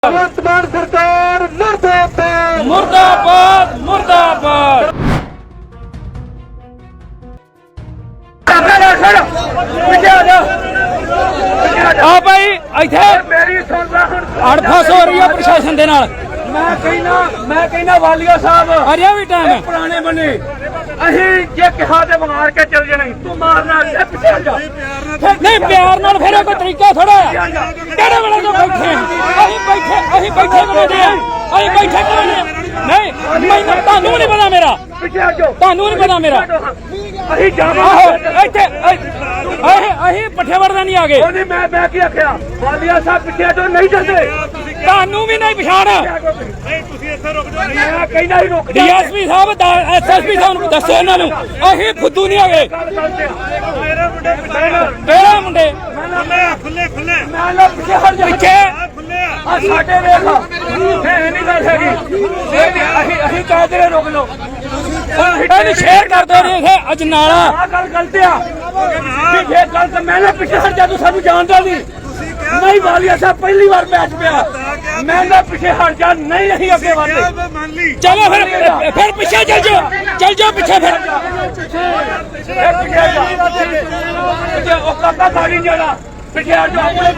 भगवंत मान सरकार मुर्दाबाद मुर्दाबाद मुर्दाबाद। आ भाई इत्थे अड़फस हो रही है प्रशासन दे नाल। मैं कहना वालिया साहब अरे भी टाइम है पुराने बने अही जे कहा ते मार के चल जाना तू मारना पीछे जा नहीं प्यार नाल फिर कोई तरीका थोड़ा है केड़े वेले जो बैठे अही बैठे बने अही बैठे नहीं मैं तानू नहीं पता मेरा पीछे जो तानू नहीं पता मेरा अही जावा इत्थे अही पट्ठे वड़दा नहीं आगे ओने मैं की आख्या वालिया साहब पीछे जो नहीं चलते तानू भी नहीं पछाण नहीं तुसी इत्थे रुक जाओ मैं कहना ही रुक जा डीएसपी साहब एसएसपी साहब दसो इन्हां नूं अही फुद्दू नहीं आगे मेरे मुंडे तेरा मुंडे खुले खुले मैं ना पीछे हट जा पीछे आ साडे देख ये नहीं गल हैगी अही कह दे रुक लो ਇਹਨੂੰ ਸ਼ੇਅਰ ਕਰ ਦਿਓ ਇਹ ਅਜਨਾਲਾ ਆ ਗੱਲ ਗਲਤ ਆ ਪੀछे गलत मैंने पीछे हट जा तू सानू जानदा नहीं वालिया साहब पहली बार मैच पिया मैंने पीछे हट जा नहीं नहीं आगे वाले चलो फिर पीछे चल जाओ पीछे फिर पीछे जा ओ काका गाड़ी जाना पीछे हट जा अपने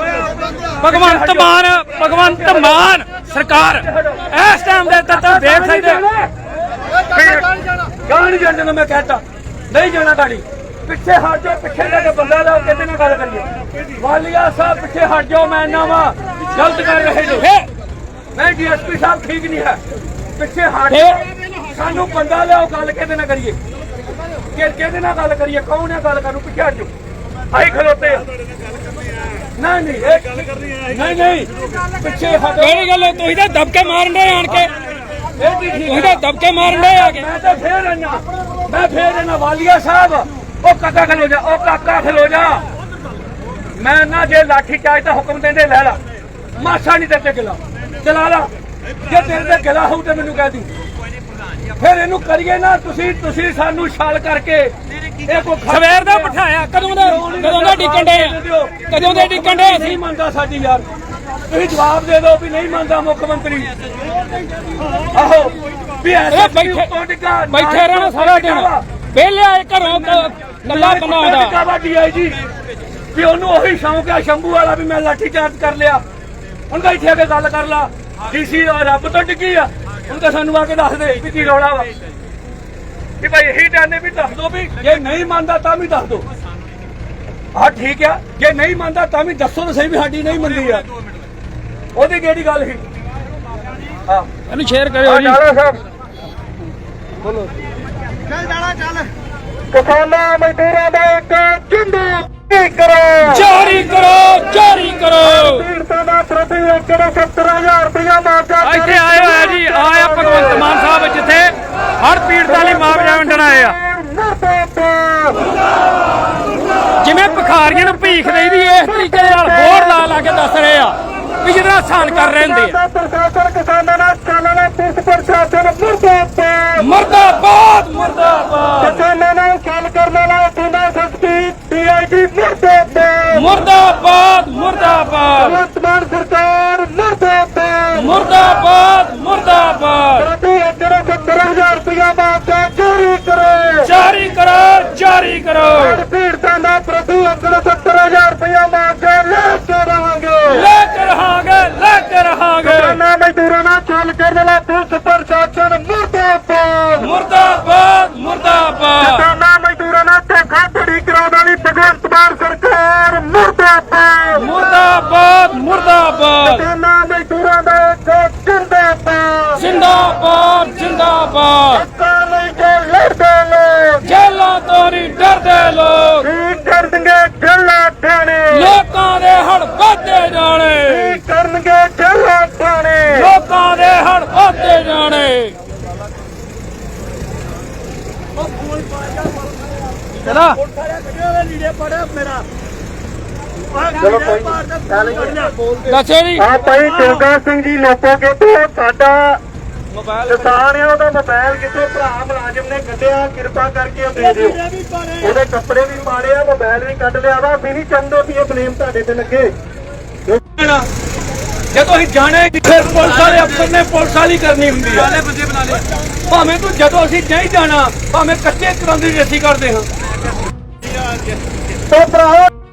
पीछे भगवंत मान सरकार इस टाइम दे तक देख सकते गाड़ी जाने मैं कहता नहीं जाना गाड़ी पिछे हट जाओ पिछे जाके बंदा लाओ कहते ना गल करिए वालिया साहब पिछे हट जाओ मैं ना वा गलत कर रहे जो नहीं डीएसपी साहब ठीक नहीं है पिछे हट जाओ सानू बंदा लाओ गल कहते ना करिए कहते ना गल करिए कौन है गल करूं पिछे हट जाओ आई खलोते नहीं पिछे हट केड़ी गल तुसीं तां दबके मारन दे आण के तुसीं तां दबके मारन दे आ के मैं फिर आना वालिया साहब ओ काका खलो जा ओ काका खलो जा मैं ना जे लाठी चार्ज का हुक्म देंदे ले ला मासा नहीं तेरे गिला चला ला जे तेरे ते गिला हो तो मैनू कह दी फिर इनू करिए ना तुसी सानू छाल करके सवेर दा बिठाया कदों दा डिकन डे नहीं मानता साडी यार तुसी जवाब दे दो भी नहीं मानता मुख्यमंत्री आहो भी ऐसे बैठे रहना सारा दिन पहले आए घरों कला बना डीआईजी भी ओनू ओही शौक है शंभू वाला भी मैं लाठी चार्ज कर लिया ਹੁਣ ਤਾਂ ਇੱਥੇ ਆ ਕੇ ਗੱਲ ਕਰ ਲਾ ਡੀਸੀ ਰੱਬ ਤੋਂ ਡਿੱਗੀ ਆ ਹੁਣ ਤਾਂ ਸਾਨੂੰ ਆ ਕੇ ਦੱਸ ਦੇ ਵੀ ਕੀ ਰੌਲਾ ਵਾ ਕਿ ਭਾਈ ਇਹੀ ਟਾਣੇ ਵੀ ਦੱਸ ਦੋ ਵੀ ਜੇ ਨਹੀਂ ਮੰਨਦਾ ਤਾਂ ਵੀ ਦੱਸ ਦੋ ਆਹ ਠੀਕ ਆ ਜੇ ਨਹੀਂ ਮੰਨਦਾ ਤਾਂ ਵੀ ਦੱਸੋ ਤਾਂ ਸਹੀ ਵੀ ਸਾਡੀ ਨਹੀਂ ਮੰਨਦੀ ਆ ਉਹਦੀ ਕਿਹੜੀ ਗੱਲ ਸੀ ਹਾਂ ਇਹਨੂੰ ਸ਼ੇਅਰ ਕਰਿਓ ਜੀ ਡਾਲਾ ਸਾਹਿਬ ਬੋਲੋ ਚੱਲ ਕਿਸਾਨਾਂ ਮਜ਼ਦੂਰਾਂ ਦਾ ਇੱਕ ਝੰਡਾ ਜਾਰੀ ਕਰੋ ਪੀੜਤਾਂ ਦਾ ਪ੍ਰਤੀ ਏਕੜ 70000 ਰੁਪਇਆ ਮੁਆਵਜ਼ਾ ਇੱਥੇ ਆਏ ਹੋਇਆ ਜੀ ਆਇਆ ਭਗਵੰਤ ਮਾਨ ਸਾਹਿਬ ਜਿੱਥੇ ਹਰ ਪੀੜਤਾਂ ਲਈ ਮੁਆਵਜ਼ਾ ਵੰਡਣ ਆਏ ਆ ਜਿਵੇਂ ਭਿਖਾਰੀਆਂ ਨੂੰ ਭੀਖ ਦੇਈਦੀ ਇਸ ਤਰੀਕੇ ਨਾਲ ਬੋਰਡ ਲਾ ਕੇ ਦੱਸ ਰਹੇ ਆ ਵੀ ਜਿਹਦਾ ਆਸਾਨ ਕਰ ਰਹੇ ਹੁੰਦੇ ਆ ਪ੍ਰਸ਼ਾਸਨ ਕਿਸਾਨਾਂ ਨਾਲ ਚੱਲਣਾ ਪੁਲਿਸ ਪ੍ਰਸ਼ਾਸਨ ਮੁਰਦਾਬਾਦ ਕਿਸਾਨਾਂ ਨਾਲ ਗੱਲ ਕਰਨ ਵਾਲਾ ਥਾਣਾ ਸਖਤੀ ਡੀਆਈਜੀ ਮੁਰਦਾਬਾਦ ਭਗਵੰਤ ਮਾਨ ਸਰਕਾਰ ਮੁਰਦਾਬਾਦ ਪ੍ਰਤੀ ਏਕੜ 70000 ਰੁਪਇਆ ਮੁਆਵਜ਼ਾ ਜਾਰੀ ਕਰੋ ਪੀੜਤਾਂ ਦਾ ਪ੍ਰਤੀ ਏਕੜ 70000 ਰੁਪਇਆ ਮੁਆਵਜ਼ਾ ਲੈ ਕੇ ਰਹਾਂਗੇ ਕਿਸਾਨਾਂ ਮਜ਼ਦੂਰਾਂ ਨਾਲ ਚੱਲ ਕਰਨ ਵਾਲਾ ਪੁਲਿਸ ਪ੍ਰਸ਼ਾਸਨ ਮੁਰਦਾਬਾਦ ਕਿਸਾਨਾਂ ਮਜ਼ਦੂਰਾਂ ਨਾਲ ਧੋਖਾਧੜੀ ਕਰਾਉਣ ਵਾਲੀ ਭਗਵੰਤ ਮਾਨ ਸਰਕਾਰ ਮੁਰਦਾਬਾਦ ਕਿਸਾਨਾਂ ਮਜ਼ਦੂਰਾਂ ਦਾ ਇੱਕ ਜਿੰਦਾਬਾਦ ਹੱਕਾਂ ਲਈ ਜੋ ਲੜਦੇ ਲੋਕ ਜੇਲਾਂ ਤੋਂ ਨਹੀਂ ਡਰਦੇ ਲੋਕ ਕੀ ਕਰਨਗੇ ਜੇਲਾਂ ਥਾਣੇ ਲੋਕਾਂ ਦੇ ਹੜ ਵੱਧਦੇ ਜਾਣੇ ਕੀ ਕਰਨਗੇ ਜੇਲਾਂ ਥਾਣੇ ਲੋਕਾਂ ਦੇ ਹੜ ਵੱਧਦੇ ਜਾਣੇ ਚਲਾ ਚਲੋ ਕੋਈ ਦੱਸੋ ਜੀ ਆ ਭਾਈ ਜੋਗਾ ਸਿੰਘ ਜੀ ਲੋਕੋਗੇ ਤੋਂ ਸਾਡਾ ਕਿਸਾਨ ਆ ਉਹਦਾ ਮੋਬਾਈਲ ਕਿੱਥੋਂ ਭਰਾ ਮੁਲਾਜ਼ਮ ਨੇ ਕੱਢਿਆ ਕਿਰਪਾ ਕਰਕੇ ਦੇ ਦਿਓ ਉਹਦੇ ਕੱਪੜੇ ਵੀ ਪਾੜੇ ਆ ਮੋਬਾਈਲ ਵੀ ਕੱਢ ਲਿਆ ਵਾ ਅਸੀਂ ਨਹੀਂ ਚਾਹੁੰਦੇ ਵੀ ਇਹ ਬਲੇਮ ਤੁਹਾਡੇ ਤੇ ਲੱਗੇ ਜਦੋਂ ਅਸੀਂ ਜਾਣੇ ਫਿਰ ਪੁਲਿਸ ਵਾਲੇ ਅਫਸਰ ਨੇ ਪੁਲਿਸ ਵਾਲੀ ਕਰਨੀ ਹੁੰਦੀ ਹੈ ਭਾਵੇਂ ਤੂੰ ਜਦੋਂ ਅਸੀਂ ਨਹੀਂ ਜਾਣਾ ਭਾਵੇਂ ਕੱਚੇ ਕਰਾਂਦੀ ਅਸੀਂ ਕਰਦੇ ਹਾਂ। तो भराओ